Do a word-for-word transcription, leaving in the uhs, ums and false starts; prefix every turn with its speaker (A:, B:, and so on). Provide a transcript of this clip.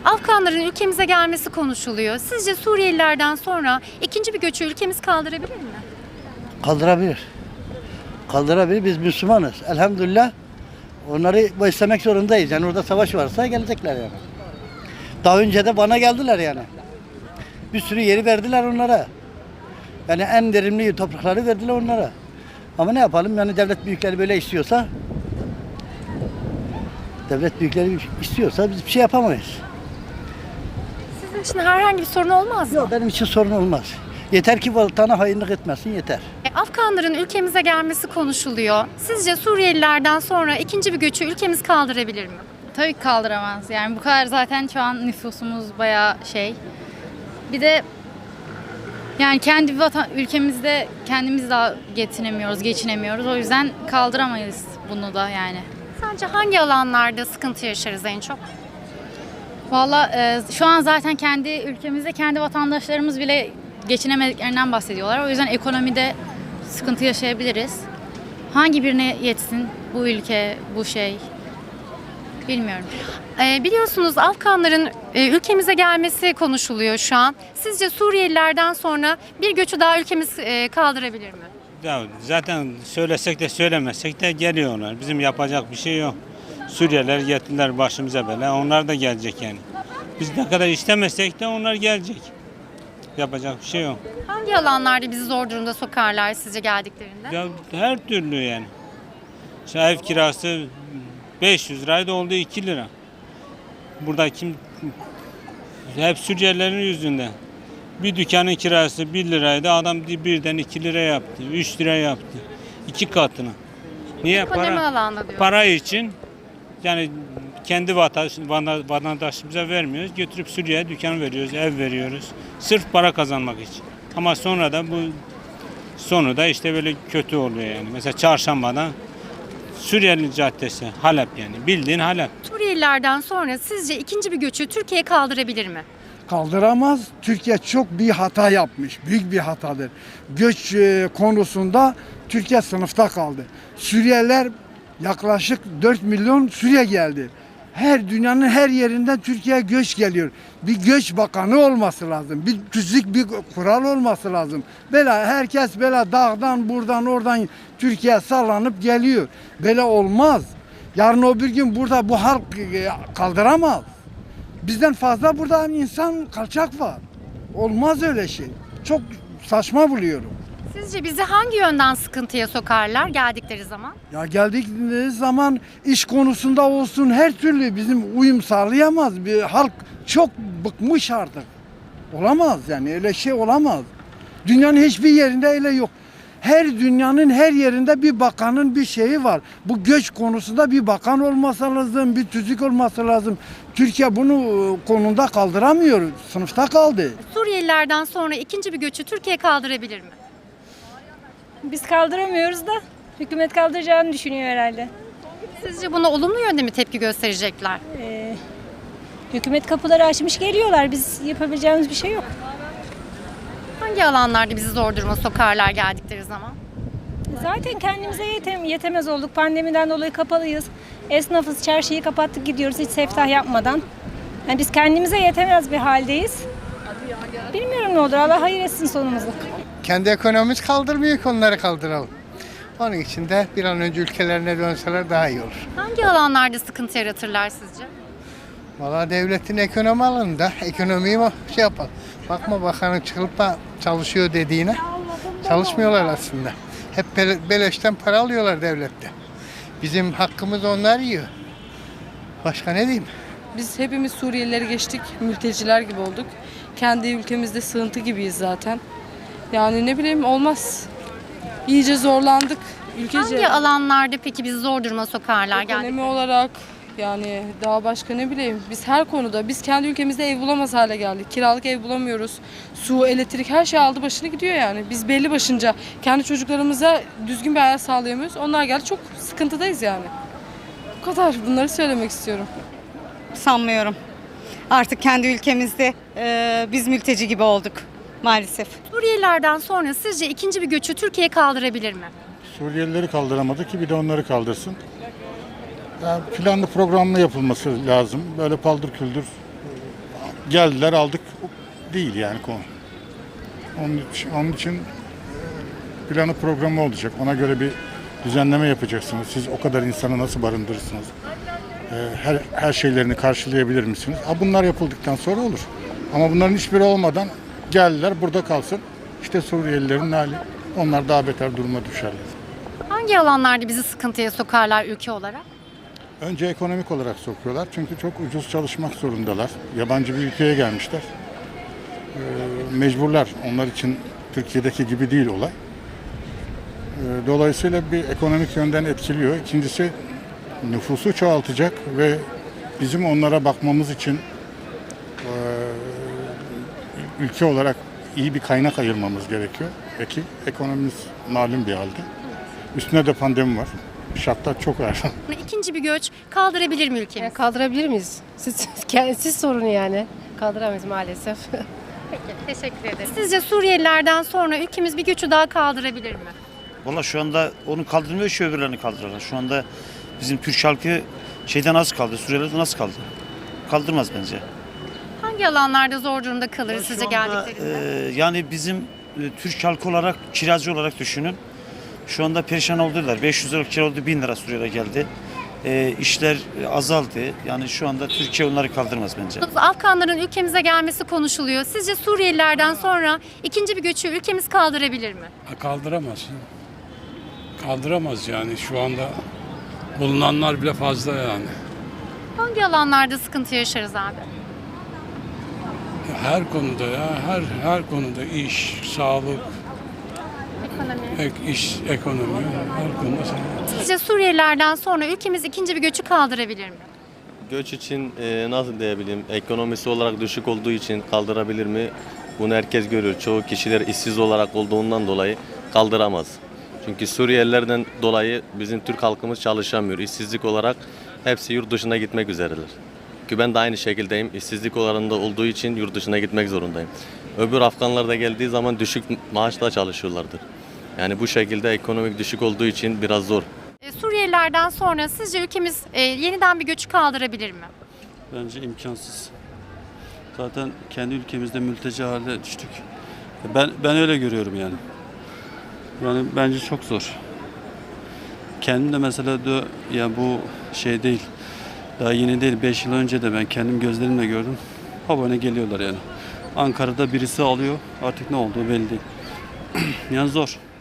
A: Afganların ülkemize gelmesi konuşuluyor. Sizce Suriyelilerden sonra ikinci bir göçü ülkemiz kaldırabilir mi?
B: Kaldırabilir. Kaldırabilir. Biz Müslümanız. Elhamdülillah onları beslemek zorundayız. Yani orada savaş varsa gelecekler yani. Daha önce de bana geldiler yani. Bir sürü yeri verdiler onlara. Yani en verimli toprakları verdiler onlara. Ama ne yapalım yani devlet büyükleri böyle istiyorsa devlet büyükleri istiyorsa biz bir şey yapamayız.
A: Sizin için herhangi bir sorun olmaz mı?
B: Yok, benim için sorun olmaz. Yeter ki vatana hainlik etmesin yeter.
A: E, Afganların ülkemize gelmesi konuşuluyor. Sizce Suriyelilerden sonra ikinci bir göçü ülkemiz kaldırabilir mi?
C: Tabii ki kaldıramaz. Yani bu kadar zaten şu an nüfusumuz bayağı şey. Bir de yani kendi vatan ülkemizde kendimiz daha getiremiyoruz, geçinemiyoruz. O yüzden kaldıramayız bunu da yani.
A: Sence hangi alanlarda sıkıntı yaşarız en çok?
C: Valla e, şu an zaten kendi ülkemizde kendi vatandaşlarımız bile geçinemediklerinden bahsediyorlar. O yüzden ekonomide sıkıntı yaşayabiliriz. Hangi birine yetsin bu ülke, bu şey bilmiyorum.
A: E, biliyorsunuz Afganların e, ülkemize gelmesi konuşuluyor şu an. Sizce Suriyelilerden sonra bir göçü daha ülkemiz e, kaldırabilir mi?
D: Ya zaten söylesek de söylemesek de geliyorlar. Bizim yapacak bir şey yok. Suriyeliler getirdiler başımıza bela. Onlar da gelecek yani. Biz ne kadar istemesek de onlar gelecek. Yapacak bir şey yok.
A: Hangi alanlarda bizi zor durumda sokarlar sizce geldiklerinde?
D: Ya her türlü yani. Şu ev kirası beş yüz liraydı oldu iki lira. Burada kim hep Suriyelilerin yüzünden. Bir dükkanın kirası bir liraydı. Adam birden iki lira yaptı. üç lira yaptı. iki katını. Niye?
A: Ekonomi
D: Para,
A: alanında diyor.
D: para için yani kendi vatandaş, vatandaşımıza vermiyoruz. Götürüp Suriye'ye dükkan veriyoruz, ev veriyoruz. Sırf para kazanmak için. Ama sonra da bu sonu da işte böyle kötü oluyor yani. Mesela Çarşamba'da Suriyeli Caddesi, Halep yani. Bildiğin Halep.
A: Suriyelilerden sonra sizce ikinci bir göçü Türkiye kaldırabilir mi?
E: Kaldıramaz. Türkiye çok bir hata yapmış. Büyük bir hatadır. Göç e, konusunda Türkiye sınıfta kaldı. Suriyeliler yaklaşık dört milyon Suriye geldi. Her dünyanın her yerinden Türkiye'ye göç geliyor. Bir göç bakanı olması lazım. Bir tüzük bir kural olması lazım. Böyle herkes böyle dağdan buradan oradan Türkiye sallanıp geliyor. Böyle olmaz. Yarın öbür gün burada bu halk e, kaldıramaz. Bizden fazla burada insan kaçak var. Olmaz öyle şey. Çok saçma buluyorum.
A: Sizce bizi hangi yönden sıkıntıya sokarlar geldikleri zaman?
E: Ya geldikleri zaman iş konusunda olsun her türlü bizim uyum sağlayamaz. Bir halk çok bıkmış artık. Olamaz yani öyle şey olamaz. Dünyanın hiçbir yerinde öyle yok. Her dünyanın her yerinde bir bakanın bir şeyi var. Bu göç konusunda bir bakan olması lazım, bir tüzük olması lazım. Türkiye bunu konunda kaldıramıyor. Sınıfta kaldı.
A: Suriyelilerden sonra ikinci bir göçü Türkiye kaldırabilir mi?
F: Biz kaldıramıyoruz da hükümet kaldıracağını düşünüyor herhalde.
A: Sizce buna olumlu yönde mi tepki gösterecekler?
F: Ee, hükümet kapıları açmış geliyorlar. Biz yapabileceğimiz bir şey yok.
A: Hangi alanlarda bizi zor duruma sokarlar geldikleri zaman?
F: Zaten kendimize yetem yetemez olduk. Pandemiden dolayı kapalıyız. Esnafız, çarşıyı kapattık gidiyoruz hiç seftah yapmadan. Yani biz kendimize yetemez bir haldeyiz. Bilmiyorum ne olur. Allah hayır etsin sonumuzu.
G: Kendi ekonomimiz kaldırmıyor ki onları kaldıralım. Onun için de bir an önce ülkelerine dönseler daha iyi olur.
A: Hangi alanlarda sıkıntı yaratırlar sizce?
G: Valla devletin ekonomi alanında ekonomiyi şey yapalım. Bakma bakanın çıkıp da çalışıyor dediğine. Çalışmıyorlar aslında. Hep beleşten para alıyorlar devlette. Bizim hakkımız onlar yiyor. Başka ne diyeyim?
H: Biz hepimiz Suriyelileri geçtik, mülteciler gibi olduk. Kendi ülkemizde sığıntı gibiyiz zaten. Yani ne bileyim olmaz. İyice zorlandık ülkece.
A: Hangi alanlarda peki bizi zor duruma sokarlar
H: Ekonomi
A: geldikleri?
H: olarak yani daha başka ne bileyim. Biz her konuda biz kendi ülkemizde ev bulamaz hale geldik. Kiralık ev bulamıyoruz. Su, elektrik her şey aldı başını gidiyor yani. Biz belli başınca kendi çocuklarımıza düzgün bir hayat sağlayamıyoruz. Onlar geldi çok sıkıntıdayız yani. Bu kadar bunları söylemek istiyorum.
I: Sanmıyorum. Artık kendi ülkemizde e, biz mülteci gibi olduk maalesef.
A: Suriyelilerden sonra sizce ikinci bir göçü Türkiye kaldırabilir mi?
J: Suriyelileri kaldıramadı ki bir de onları kaldırsın. Yani planlı programlı yapılması lazım. Böyle paldır küldür geldiler aldık değil yani konu. Onun için, onun için planı programı olacak. Ona göre bir düzenleme yapacaksınız. Siz o kadar insanı nasıl barındırırsınız? Her, her şeylerini karşılayabilir misiniz? Ha, bunlar yapıldıktan sonra olur. Ama bunların hiçbiri olmadan geldiler burada kalsın. İşte Suriyelilerin hali. Onlar daha beter duruma düşerler.
A: Hangi alanlarda bizi sıkıntıya sokarlar ülke olarak?
J: Önce ekonomik olarak sokuyorlar. Çünkü çok ucuz çalışmak zorundalar. Yabancı bir ülkeye gelmişler. Ee, mecburlar. Onlar için Türkiye'deki gibi değil olay. Ee, dolayısıyla bir ekonomik yönden etkiliyor. İkincisi nüfusu çoğaltacak ve bizim onlara bakmamız için e, ülke olarak iyi bir kaynak ayırmamız gerekiyor. Peki ekonomimiz malum bir halde. Üstüne de pandemi var. Şartlar çok ağır.
A: İkinci bir göç kaldırabilir mi ülkemiz?
K: Yani kaldırabilir miyiz? Siz, siz sorun yani. Kaldıramayız maalesef.
A: Peki, teşekkür ederim. Sizce Suriyelilerden sonra ülkemiz bir göçü daha kaldırabilir mi?
L: Valla şu anda onu kaldırmıyor, şu öbürlerini kaldırırlar. Şu anda bizim Türk halkı şeyden az kaldı, Suriyelilerden az kaldı. Kaldırmaz bence.
A: Hangi alanlarda zor durumda kalır
L: Ya
A: sizce
L: şu anda,
A: geldiklerinde?
L: e, yani bizim e, Türk halkı olarak, kiracı olarak düşünün. Şu anda perişan oldular. beş yüz lira kira oldu, bin lira Suriye'de geldi. E, işler azaldı. Yani şu anda Türkiye onları kaldırmaz bence.
A: Afganların ülkemize gelmesi konuşuluyor. Sizce Suriyelilerden sonra ikinci bir göçü ülkemiz kaldırabilir mi?
M: Kaldıramaz. Kaldıramaz yani şu anda bulunanlar bile fazla yani.
A: Hangi alanlarda sıkıntı yaşarız abi?
M: Her konuda ya her her konuda iş, sağlık,
A: Ekonomi.
M: ek, iş, ekonomi her konuda.
A: Sizce Suriyelilerden sonra ülkemiz ikinci bir göçü kaldırabilir mi?
N: Göç için e, nasıl diyebilirim, ekonomisi olarak düşük olduğu için kaldırabilir mi? Bunu herkes görüyor. Çoğu kişiler işsiz olarak olduğundan dolayı kaldıramaz. Çünkü Suriyelilerden dolayı bizim Türk halkımız çalışamıyor. İşsizlik olarak hepsi yurt dışına gitmek üzereler. Ki ben de aynı şekildeyim. İşsizlik oranında olduğu için yurt dışına gitmek zorundayım. Öbür Afganlar da geldiği zaman düşük maaşla çalışıyorlardır. Yani bu şekilde ekonomik düşük olduğu için biraz zor.
A: E, Suriyelilerden sonra sizce ülkemiz e, yeniden bir göçü kaldırabilir mi?
O: Bence imkansız. Zaten kendi ülkemizde mülteci haline düştük. Ben ben öyle görüyorum yani. Yani bence çok zor. Kendim de mesela de, ya bu şey değil. Daha yeni değil. beş yıl önce de ben kendim gözlerimle gördüm. Habane geliyorlar yani. Ankara'da birisi alıyor. Artık ne olduğu belli değil. Yani zor.